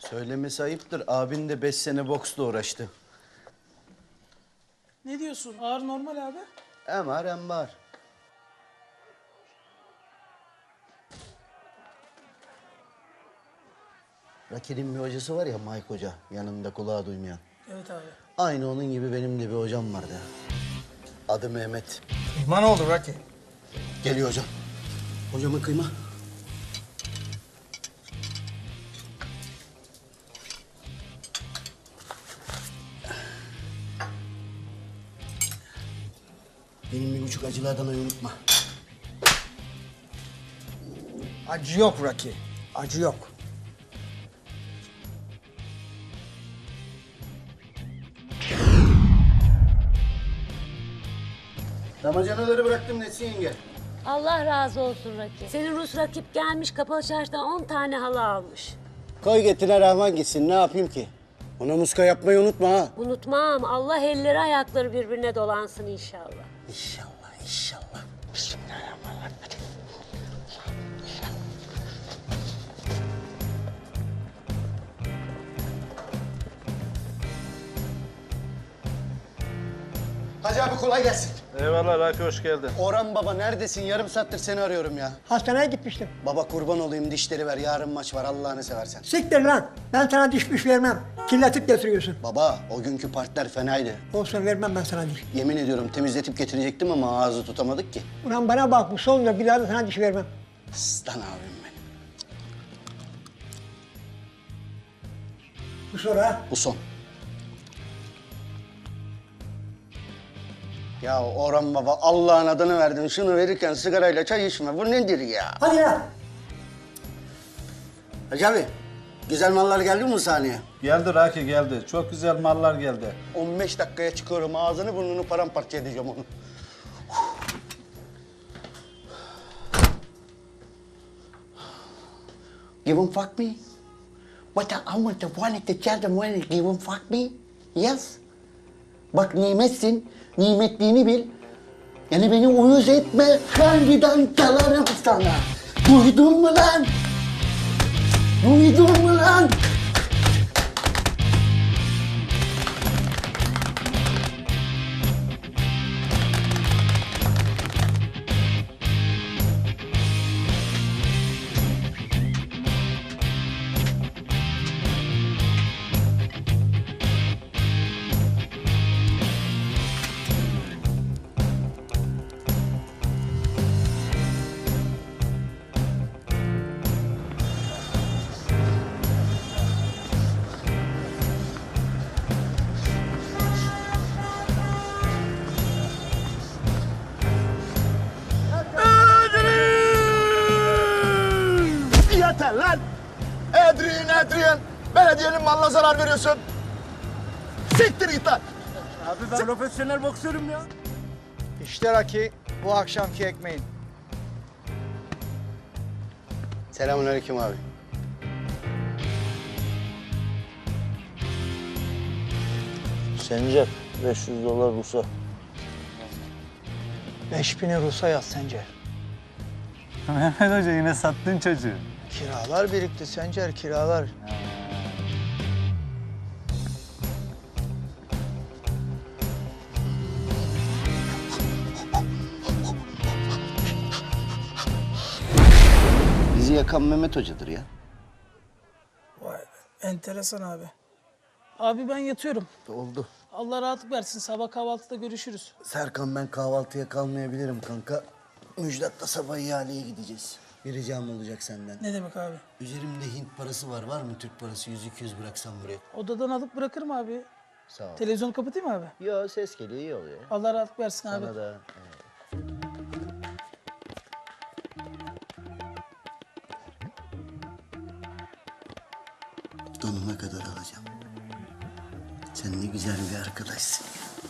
Söylemesi ayıptır. Abin de 5 sene boksla uğraştı. Ne diyorsun? Ağır normal abi. Hem ağır hem bağır. Raki'nin bir hocası var ya Mike Hoca. Yanında kulağı duymayan. Evet abi. Aynı onun gibi benim de bir hocam vardı. Adı Mehmet. Kıyma ne olur Rocky? Geliyor hocam. Hocama kıyma. Benim 1,5 acılı Adana'yı unutma. Acı yok Rocky. Acı yok. Damacanaları bıraktım Nesin yenge. Allah razı olsun Rakip. Senin Rus rakip gelmiş kapalı çarşıdan 10 tane halı almış. Koy getine rahman gitsin. Ne yapayım ki? Ona muska yapmayı unutma ha. Unutmam. Allah elleri ayakları birbirine dolansın inşallah. İnşallah, inşallah. Bismillahirrahmanirrahim. Hacı abi kolay gelsin. Eyvallah Raki, hoş geldin. Orhan baba neredesin? Yarım saattir seni arıyorum ya. Hastaneye gitmiştim. Baba kurban olayım dişleri ver. Yarın maç var Allah'ını seversen. Siktir lan. Ben sana diş vermem. Kirletip getiriyorsun. Baba o günkü partiler fenaydı. Olsun vermem ben sana diş. Yemin ediyorum temizletip getirecektim ama ağzı tutamadık ki. Ulan bana bak bu sonunda bir daha da sana diş vermem. Aslan abim benim. Bu sonra Bu son. Ya Orhan baba Allah'ın adını verdin. Şunu verirken sigarayla çay içme. Bu nedir ya? hadi ya. Hacı abi güzel mallar geldi mi bu sahneye? Geldi Raki, geldi. Çok güzel mallar geldi. 15 dakikaya çıkıyorum. Ağzını burnunu paramparça edeceğim onu. Give 'em fuck me? What I want to want to tell them when give 'em fuck me? Yes. Bak nimetsin. Nimetliğini bil. Yani beni uyuz etme. Harbiden dalarım sana. Duydun mu lan? Duydun mu lan? Yeter lan! Adrian! Belediyenin malına zarar veriyorsun. Siktir git lan! Abi ben profesyonel boksörüm ya. İşte Rocky, bu akşamki ekmeğin. Selamünaleyküm abi. Sencer, 500 dolar Rus'a. 5000'i Rus'a yaz Sencer. Mehmet Hoca yine sattın çocuğu. Kiralar birikti Sencer, kiralar. Bizi yakan Mehmet Hoca'dır ya. Vay be. Enteresan abi. Abi ben yatıyorum. Oldu. Allah rahatlık versin. Sabah kahvaltıda görüşürüz. Serkan ben kahvaltıya kalmayabilirim kanka. Müjdat'la sabah ihaleye gideceğiz. Bir ricam olacak senden. Ne demek abi? Üzerimde Hint parası var. Var mı Türk parası? 100-200 bıraksam buraya. Odadan alıp bırakırım abi. Sağ ol. Televizyonu kapatayım mı abi? Yo ses geliyor iyi oluyor. Allah rahatlık versin abi. Sana da. Donuna kadar alacağım. Sen ne güzel bir arkadaşsın ya.